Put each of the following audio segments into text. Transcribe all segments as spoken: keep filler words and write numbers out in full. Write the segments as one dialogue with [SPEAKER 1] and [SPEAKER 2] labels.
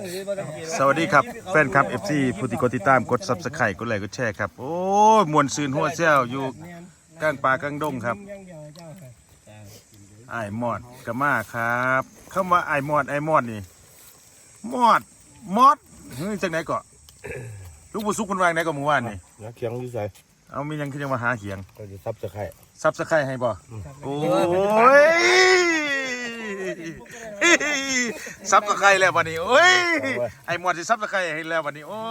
[SPEAKER 1] สวัสดีครับแฟนคลับ เอฟ ซี ผู้ที่กดติดตามกด ซับสไครบ์ กดไลค์กดแชร์ครับโอ้ยมวนซืนหัวเซี่ยวอยู่กลางป่ากลางดงครับไอ้มอดกะมาครับคำว่าไอ้มอดไอ้มอดนี่มอดมอดเฮ้ยจากไหนเกาะลูกบุสุกคนวางไหนก็มือวานนี่
[SPEAKER 2] นะเคียงอยู่ใส่
[SPEAKER 1] เอามียังคือยังมาหาเขียง
[SPEAKER 2] ก็จะซับสะไคร่
[SPEAKER 1] ซับสไครบ์ให้บ่โอ้ยซับสไครบ์แล้ววันนี้โอ้ยไอ้มอดสิซับสไครบ์ให้แล้ววันนี้โอ้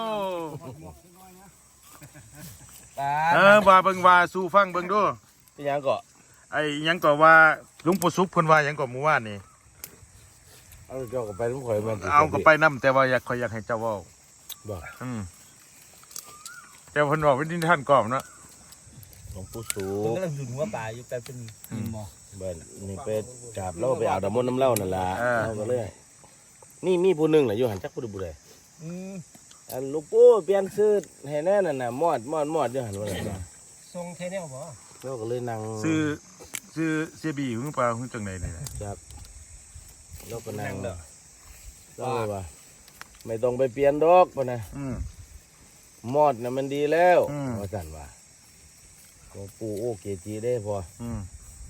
[SPEAKER 1] เออว่าเบิ่งว่าสู่ฟังเบิ่งดู
[SPEAKER 2] ที่ยังก็
[SPEAKER 1] ไอ้ยังก็ว่าลุงปู่ซุปเพิ่นว่าหยังก็หมู่ว่านนี่
[SPEAKER 2] เอาเจ้าก็ไปน้ำข่อยมัน
[SPEAKER 1] เอาก็ไปนํแต่ว่าอยากขอยอยากให้เจ้าเว้า
[SPEAKER 2] บ่
[SPEAKER 1] อืมแต่เพิ่นบอกเป็นนิทานกรอบเนาะ
[SPEAKER 2] หลวงปู่สู
[SPEAKER 3] ผมกำลังดูหัวปลาอยู่แต่เป็นหินหมอ
[SPEAKER 2] เบิ้ลนี่ไปกราบเราไปเอาดำมนต์น้ำเล่านั่นล่ะเราก็เลยนี่มีผู้หนึงน่ะอยู่หันจักผู้ใดผู้ใด
[SPEAKER 3] อืม
[SPEAKER 2] อันหลวงปู่เปลี่ยนชื่อให้แน่นั่นน่ะมอดมอดมอดอยู่หันว่านั่นล่ะ
[SPEAKER 3] ทรงเทเนลบ่
[SPEAKER 2] เราก็เลยนั่ง
[SPEAKER 1] ซื้อซื้อเสียบีหึงเปล่าหึงจังไดนี่
[SPEAKER 2] ครับเราก็นั่งเราเลยว่าไม่ต้องไปเปลี่ยนดอกป่ะนะ
[SPEAKER 1] อืม
[SPEAKER 2] มอดน่ะมันดีแล้ว
[SPEAKER 1] อืม
[SPEAKER 2] ว่าสั่นว่าหลวงปู่โอเกจีได้พอ
[SPEAKER 1] อืม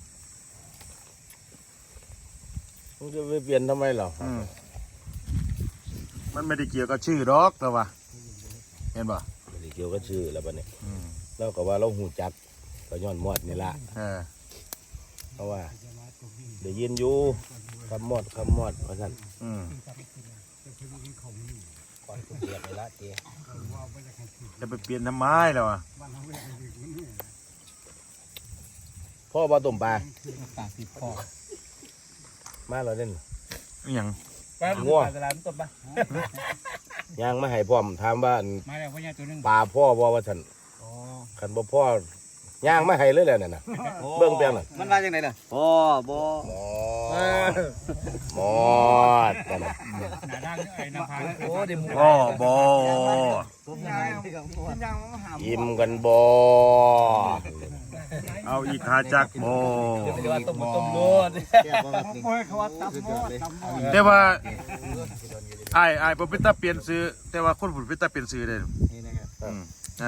[SPEAKER 2] มึงจะไปเปลี่ยนทำไมเหรอ
[SPEAKER 1] อืมมันไม่ได้เกี่ยวกับชื่อดอกแต่ว่าเห็นป่ะ
[SPEAKER 2] ไม่ได้เกี่ยวกับชื่อแล้วปะเนี่ย
[SPEAKER 1] อืม
[SPEAKER 2] เราก็ว่าเราหูจักก็ย้อนมอดนี่ละ
[SPEAKER 1] เออ
[SPEAKER 2] เพราะว่าเดี๋ยวยินอยู่คำมอดคำมอดว่าสั่น
[SPEAKER 1] อืม
[SPEAKER 3] ก่อนคุณเรียกไปละเจ๊
[SPEAKER 1] จะไปเปลี่ยนทำไมแล้วอ่ะ
[SPEAKER 2] พ่อบ่ต้มปลา
[SPEAKER 3] ปากติดคอ
[SPEAKER 2] มาเราเล่น
[SPEAKER 1] อหยัง
[SPEAKER 3] ปลาง่วงตลาดต้นปะ
[SPEAKER 2] ย่างมาให้พร้อมถามว่าอัน
[SPEAKER 3] มาแล้วพ่อยาตัวนึง
[SPEAKER 2] ปลาพ่อบ่ว่าสั่น
[SPEAKER 3] อ๋อ
[SPEAKER 2] ขันบ่พ่อย่างมาให้เลยแหละนั่นน่ะเบิ่งเปียงน่ะ
[SPEAKER 3] มันมาจากไหนน่ะพ่อบ่
[SPEAKER 2] หมอหมอดนั่นน่ะ
[SPEAKER 3] หน้าด้านไอ้น้ำพังโอ้เดี๋ยวมึง
[SPEAKER 1] อ๋อบ่
[SPEAKER 2] ยิ้มกันบ่
[SPEAKER 1] เอาอีกหาจักบ่
[SPEAKER 3] เดี๋ยวว่าต้มต้มโดน
[SPEAKER 1] แต่ว่าไอ้ไอ้ผมเป็นตาเปลี่ยนซื้อแต่ว่าคนผมเป็นตาเปลี่ยนซื้อเลยอืมอ่ะ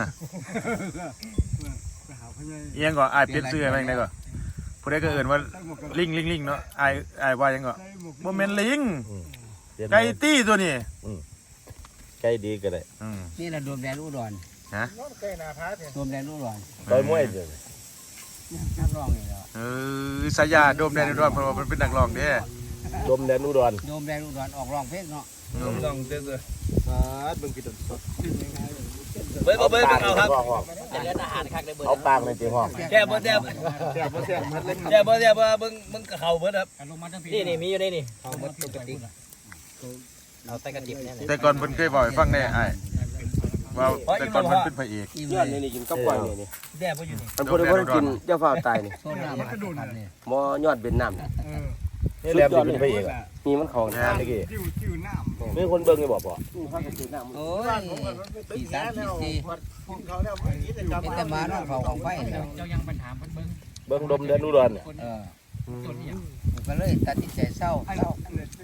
[SPEAKER 1] เอียงก่อนไอ้เปลี่ยนซื้ออะไรไงก่อนผู้ใดก็เอื่นว่าลิงลิงลิงเนาะไอ้ไอ้ว่ายังก่อนบ่แม่นลิง
[SPEAKER 2] เปลี่ยน
[SPEAKER 1] ไก่ตี้ตัวนี้
[SPEAKER 2] ไก่ดีก็ได้
[SPEAKER 1] อืม
[SPEAKER 4] นี่แหละรวมแดนอุดร
[SPEAKER 1] ฮะ
[SPEAKER 4] รวมแดนอุดร
[SPEAKER 2] ต่อยมวยเด้อ
[SPEAKER 4] นักร้องนี่แหละ
[SPEAKER 1] เออสายาโดมแดนอุดรเพราะว่ามันเป็นนักร้องเด้
[SPEAKER 2] ดมแดนอุดร
[SPEAKER 4] รวมแดนอุดรออกร้องเพลงเนาะ
[SPEAKER 1] อืม
[SPEAKER 3] ลองเด้อ
[SPEAKER 2] เบิ่งพี่ต้นสด
[SPEAKER 3] เบิ้ลเบิ้ลเอาครับ
[SPEAKER 4] จะเล่นอาหารคักได้เบิด
[SPEAKER 2] เอาปากในตีห้อง
[SPEAKER 3] แซ่บบ่แซ่บแซ่บบ่แซ่บแซ่บบ่แซ่บเบิ้งมึงกับเขาเบิ้ลครับ
[SPEAKER 4] นี่นี่มีอยู่นี่นี่เอาหมดปกติเอาแต่กระดิบเนี่ย
[SPEAKER 1] แต่ก่อนเพิ่นเคยบอกให้ฟังแน่ไอ้ว่าแต่ก่อนมันเป็นพระเอก
[SPEAKER 4] อิ่ม
[SPEAKER 2] ย้อน
[SPEAKER 4] เล
[SPEAKER 2] นี่
[SPEAKER 4] ย
[SPEAKER 2] นี่กินกับกล้วยนี่นี่
[SPEAKER 3] แซ่บบ่อยู่นี่
[SPEAKER 2] มันพูดว่ากินเจ้าฟ้าตายนี่
[SPEAKER 4] โซดามาครับนี่
[SPEAKER 2] หมอยอดเป็นน้ำนี่แหลมสิเป็นพระเอกอ่ะมีมันของทานเมื่อกี้มีคนเบิ่งนี่บอกบ่
[SPEAKER 4] โอ้ยสี่สามสี่สี่เป็นแต่มาเนาะเขาของไฟเนาะ
[SPEAKER 3] เจ้ายังปัญหาเบิ้ลเบิ้ง
[SPEAKER 2] เบิ่งดมแดนอุดรเนี่ย
[SPEAKER 4] เออก็เลยตัดสินใจเศร้าเศร้า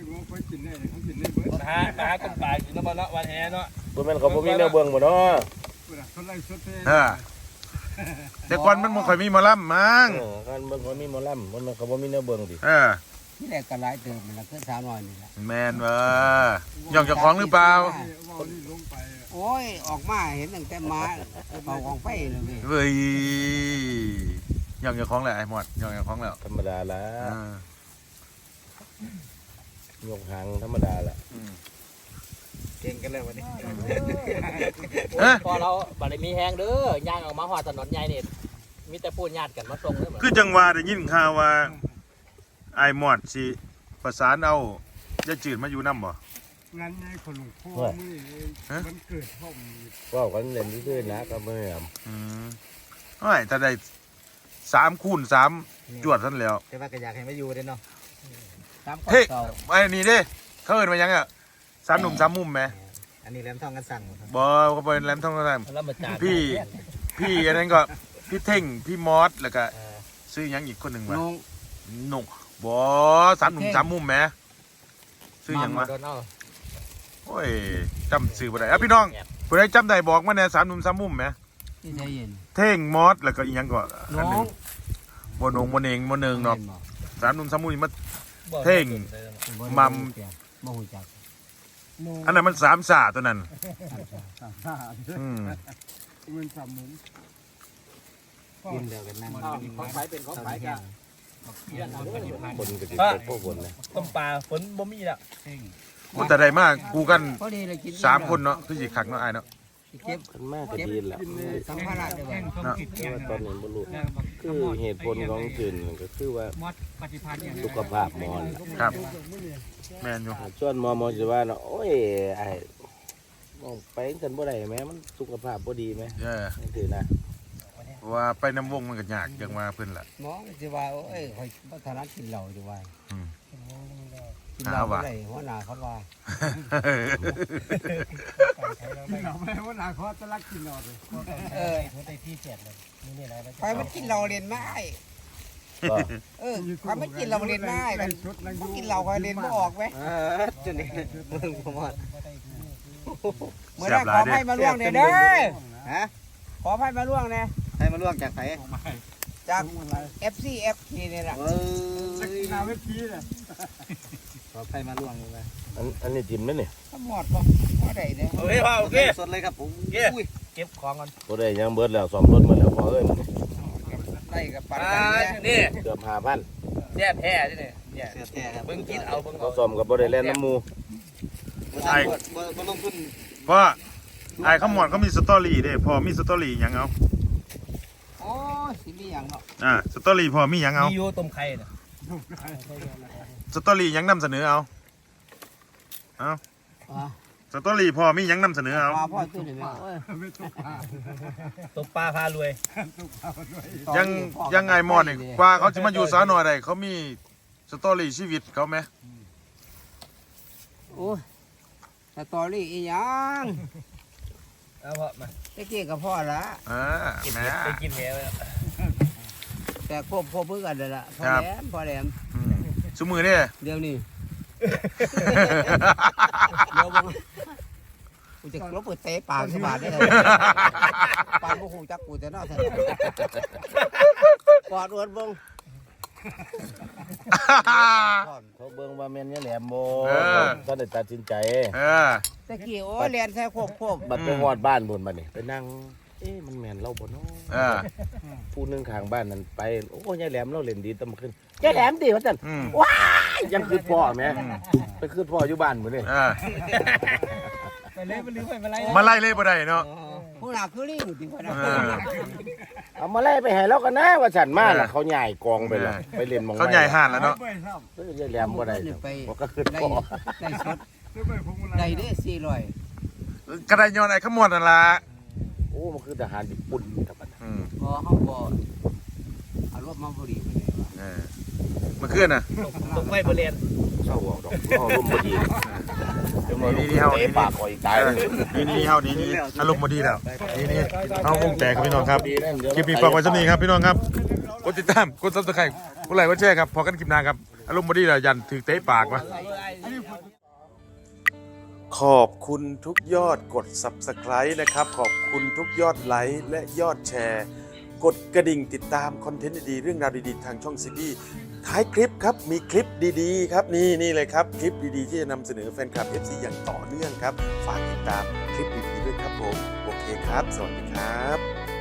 [SPEAKER 3] หาหาคนป่าอยู่นบ่เนาะวันแห่เนาะ
[SPEAKER 2] บ่แม่นเขาบ่มีแนวเบิ่งบ่เนาะ
[SPEAKER 1] เออแต่ก่อนมันบ่ค่อยมีหมอลำมั้ง
[SPEAKER 2] เออการเบิ่งเขามีหมอลำมันเขาบ่มีแนวเบิ่งดิ
[SPEAKER 1] เออ
[SPEAKER 4] ที่แรกก็หลายเติมมันละคือสาวน้อยนี่แหละ
[SPEAKER 1] แมนเว้ย่องเจ้าของหรือเปล่า
[SPEAKER 4] โอ้ยออกมาเห็นตั้งแต่มาเขาของไฟเลย
[SPEAKER 1] เว้ยย่องเจ้าของแหละไอ้หมดย่องเจ้าของแล้ว
[SPEAKER 2] ธรรมดาละ
[SPEAKER 1] อ่าย
[SPEAKER 2] กหางธรรมดาละ
[SPEAKER 1] อืม
[SPEAKER 3] เก่งกันแล้ววันนี้
[SPEAKER 1] เอ๊ะ
[SPEAKER 5] พอเราบัดนี้มีแห้งเด้อย่างออกมาหอดถนนใหญ่นี่มีแต่พูดญาติกันมาส่งเลยเหมือน
[SPEAKER 1] คือจังหวะได้ยินข่าวว่าไอ้หมอดสิประสานเอาจะจืดมาอยู่น้ำบ่
[SPEAKER 6] งานใหญ่ของหลวงพ่อนี่มันเกิดพ่อม
[SPEAKER 2] เว่ากันเล่นซื่อๆนะก็บ่แม่น
[SPEAKER 1] อืมโอ้ยถ้าได้สามคูณสามจวดท่านแล้ว
[SPEAKER 3] แต่ว่าก็อยากให้มาอยู่เด้เนาะ
[SPEAKER 4] ตาม
[SPEAKER 1] เฮ้ย
[SPEAKER 4] เก่า
[SPEAKER 1] ไอ้นี่เด้เขาเอิ้นมายังอ่ะสามหนุ่มสามมุมไหม
[SPEAKER 3] อันนี้แหลมทองกันสั่ง
[SPEAKER 1] บ่เขาเป็นแหลมทองกัน
[SPEAKER 5] แล้วมาจาน
[SPEAKER 1] พี่พี่อันนั้นก็พี่เท่งพี่มอสแล้วก็ซื้อหยังอีกคนหนึ่งมา
[SPEAKER 4] น้อง
[SPEAKER 1] หนุ่มบ่สามหนุ่มสามมุมไหมซื้อหยังมา
[SPEAKER 5] โดนเอา
[SPEAKER 1] โอ้ยจำชื่อบ่ได้อ่ะพี่น้องผู้ใดจำได้บอกมาแหน่สามหนุ่มสามมุมแหม
[SPEAKER 4] ที่ใจเย็น
[SPEAKER 1] เท่งมอสแล้วก็อีกอย่างก็อันห
[SPEAKER 4] น้
[SPEAKER 1] นึ
[SPEAKER 4] อง
[SPEAKER 1] งบนงบนเองบนเนึงเนาะสามหนุ่มสามมุมนี่มาเท่ง มัม
[SPEAKER 4] บ่ฮู้จัก
[SPEAKER 1] อันนั้นมันสามสาตัวนั้น
[SPEAKER 6] สามห้า
[SPEAKER 1] อืม
[SPEAKER 6] มันสามหมุน
[SPEAKER 4] กินเดียวกันนั่ง
[SPEAKER 5] ของขายเป็นของขายกัน
[SPEAKER 2] คนก็สิพวกคนนะ
[SPEAKER 3] ต้มปลาฝนบ่มีแล้ว
[SPEAKER 1] มันแต่ใดมากกูกัน
[SPEAKER 4] พอดีเลยกิน
[SPEAKER 1] สามคนเนาะคือสิคักเนาะอ้ายเนาะ
[SPEAKER 4] เก็บ
[SPEAKER 2] คนมากก็ดีแหละ
[SPEAKER 4] สัมภาระได้บ่
[SPEAKER 1] เนาะ
[SPEAKER 2] แต่ว่าตอนนี้บ่รู้คือเหตุผลของจืนก็คือว่าสุขภาพหมอน
[SPEAKER 1] ครับ แม่นอยู่
[SPEAKER 2] ส่วนหมอหมอสิว่าเนาะโอ้ยไอ้มองไปกันบ่ได้แม่มันสุขภาพบ่ดีแม่
[SPEAKER 1] เออ
[SPEAKER 2] จังซี่นะ
[SPEAKER 1] ว่าไปน้ำวงมันก็ยากจังว่าเพิ่นล่ะ
[SPEAKER 4] หมอสิว่าโอ้ยข่อยบ่ถนัดกินเหล้าสิว่า
[SPEAKER 1] อืม
[SPEAKER 4] กินเหล้า
[SPEAKER 1] หาว่า
[SPEAKER 4] บ่ได้หัวหน้าเขาว่า
[SPEAKER 6] กินเราแม่ว่านาคอตะลักกินเราเลย
[SPEAKER 4] เออ
[SPEAKER 5] ได้ที่เสียดเลยนี่นี่อะไรนะ
[SPEAKER 4] ข่อยมันกินเหล้าเรียนไม้
[SPEAKER 2] ก็
[SPEAKER 4] เออข่อยมันกินเหล้าเรียนไม้กันบ่กินเหล้าข่อยเรียนบ่ออกเว้ย
[SPEAKER 3] เออจนนี่มึงบ่หมด
[SPEAKER 4] เมื่อนั้นขอให้มาล่วงเนี่ยเด้อ
[SPEAKER 3] ฮะ
[SPEAKER 4] ขอให้มาล่วงเนี่ย
[SPEAKER 3] ให้มาล่วงจากไผ
[SPEAKER 4] จาก เอฟ ซี เอฟ นี่นี่แหละ
[SPEAKER 3] เอ
[SPEAKER 6] จะกินน้ำไม่พีเลย
[SPEAKER 3] ขอให้มาล่วงเลย
[SPEAKER 2] อันอันนี้จิ้มไหมเนี่ย
[SPEAKER 4] ทั้งหมดบ่บ่ได้เด้อ
[SPEAKER 3] โอเคพ่อโอเคสดเลยครับผมอุ้ยเก็บของก่อน
[SPEAKER 2] บ่ได้ยังเบิดแล้วซ่อมรถหมดแล้วพอเอ้ย
[SPEAKER 4] ได้กับปัน
[SPEAKER 3] อ่า
[SPEAKER 4] กันเนี่ย
[SPEAKER 3] นี่
[SPEAKER 2] เกือบห้าพัน
[SPEAKER 3] แซ่บแท้นี่เนี่ยเนี่ยแท้ครับเบิ่งกินเอาเบิ่ง
[SPEAKER 2] เขา
[SPEAKER 3] เอา
[SPEAKER 2] ซ่อมกับบ่ได้แล่นน้ำหมู
[SPEAKER 3] ไอ้บ่บ่ลงทุน
[SPEAKER 1] เพราะไอ้ขมอดเขามีสตอรี่เด้พอมีสตอรี่หยังเอา
[SPEAKER 4] โอ้ยสิมีหยังเนาะ
[SPEAKER 1] อ่าสตอรี่พอมีหยังเอา
[SPEAKER 3] มีอยู่ต้มไข่น่ะ
[SPEAKER 1] สตอรี่หยังนำเสนอเอาเอา
[SPEAKER 4] อ่า
[SPEAKER 1] สตอรี่พอมีหยังนำเสนอเอา
[SPEAKER 4] มาพ่อตื้อนี่แม่โอ้ย
[SPEAKER 6] ไม่ต้องพา
[SPEAKER 3] ต้มปลาพารวย
[SPEAKER 6] ต้องพาด้วย
[SPEAKER 1] ยังยังไงมอดนี่กว่าเขาจะมาอยู่สาวน้อยได้เขามีสตอรี่ชีวิตเขาไหม
[SPEAKER 4] โอ้ยสตอรี่อีหยัง
[SPEAKER 3] เอาพ่อมา
[SPEAKER 4] ตะกี้กับพ่อละ
[SPEAKER 1] อ่า
[SPEAKER 3] กิน
[SPEAKER 1] แหม่
[SPEAKER 3] เห็ดไปกินแหไปแล้ว
[SPEAKER 4] แต่ควบควบเพื่อกันเลยล่ะพ่อ
[SPEAKER 1] ครับ
[SPEAKER 4] แหลมพ่อแหลม
[SPEAKER 1] อืมซุมือเนี่ย
[SPEAKER 4] เดี๋ยวนี้เดี๋ยวบังกูจะลบเปิดเตะปากสบายได้เลยปากกูคงจักกูจะน่าสนกอดอวดเบัง
[SPEAKER 2] เขาเบิ่งว่าแม่นยายแหลมบ่
[SPEAKER 1] เออ
[SPEAKER 2] ก็ได้ตัดสินใจ
[SPEAKER 1] เออ
[SPEAKER 4] ตะกี้โอ้ยเรียนใส่ควบควบ
[SPEAKER 2] บัดไปฮอดบ้านพุ่นบัดนี่ไปนั่งเอ๊ะมันแม่นเราบ่เนาะ
[SPEAKER 1] เออ
[SPEAKER 2] ผู้หนึงข้างบ้านนั่นไปโอ้ยายแหลมเราเล่นดีตำขึ้นยายแหลมดีว่าซั่น
[SPEAKER 1] อืม
[SPEAKER 2] ยังคือพ่อแม่ไปคือพ่ออยู่บ้านพุ่นนี่
[SPEAKER 1] เออ
[SPEAKER 5] ไปเลยไปลืมไปมาไล่
[SPEAKER 1] มาไล่เล่บ่ได้เนาะ
[SPEAKER 4] พวกเราคือลิงจริงๆนะ
[SPEAKER 1] เออ
[SPEAKER 2] เอามาไล่ไปให้เรากันนะว่าฉันมาล่ะ
[SPEAKER 1] เออ
[SPEAKER 2] เขาใหญ่กองไปแล้วไปเล่นหมอง
[SPEAKER 1] เขาใหญ่ห่านแล้วเนาะ
[SPEAKER 6] ไปซ้
[SPEAKER 2] เอ้ยยายแหลมบ่ได้บ่ก็คือ
[SPEAKER 4] ได้
[SPEAKER 2] พ่อ
[SPEAKER 4] ได้สด
[SPEAKER 6] ำด้วยไปพวงมาลั
[SPEAKER 4] ได้
[SPEAKER 6] ย
[SPEAKER 4] เด้สี่ร้อย
[SPEAKER 1] กระไดย้อนไอ้ขมอดนั่นล่ะ
[SPEAKER 2] โอ้มันคือทหารญี่ปุ่นครับบัด
[SPEAKER 1] อืม
[SPEAKER 4] พอเขาบอเอารถมาบริไปเลยว่ะ
[SPEAKER 1] เออเมื่อคืนน่ะ
[SPEAKER 3] ต้มไข่บ่เรียน
[SPEAKER 2] เศร้าออกดอกเอาลมบ่ดีเดี๋ยวมาล
[SPEAKER 1] นี่
[SPEAKER 2] ม
[SPEAKER 1] นี่เฮา
[SPEAKER 2] เตะ
[SPEAKER 1] นี่
[SPEAKER 2] ปากข่อยตายเลย
[SPEAKER 1] นี่นี่เฮานี่นี่อารมณ์บ่ดีแล้วนี่นี่เฮาวงแตกครับพี่น้องครับ
[SPEAKER 2] ดีนั่นเดี๋ยว
[SPEAKER 1] คลิปนี้ฝากไว้สักนี้ครับพี่น้องครับกดติดตามกดซับสไครต์กดไลค์กดแชร์ครับพอกันคลิปหน้าครับอารมณ์บ่ดีแล้วยันถือเตะปากวะขอบคุณทุกยอดกด Subscribe นะครับขอบคุณทุกยอดไลค์และยอดแชร์ กดกระดิ่งติดตามคอนเทนต์ดีๆเรื่องราวดีๆทางช่องซีบีท้ายคลิปครับมีคลิปดีๆครับนี่นี่เลยครับคลิปดีๆที่จะนำเสนอแฟนคลับ เอฟ ซี อย่างต่อเนื่องครับฝากติดตามคลิปดีๆด้วยครับผมโอเคครับสวัสดีครับ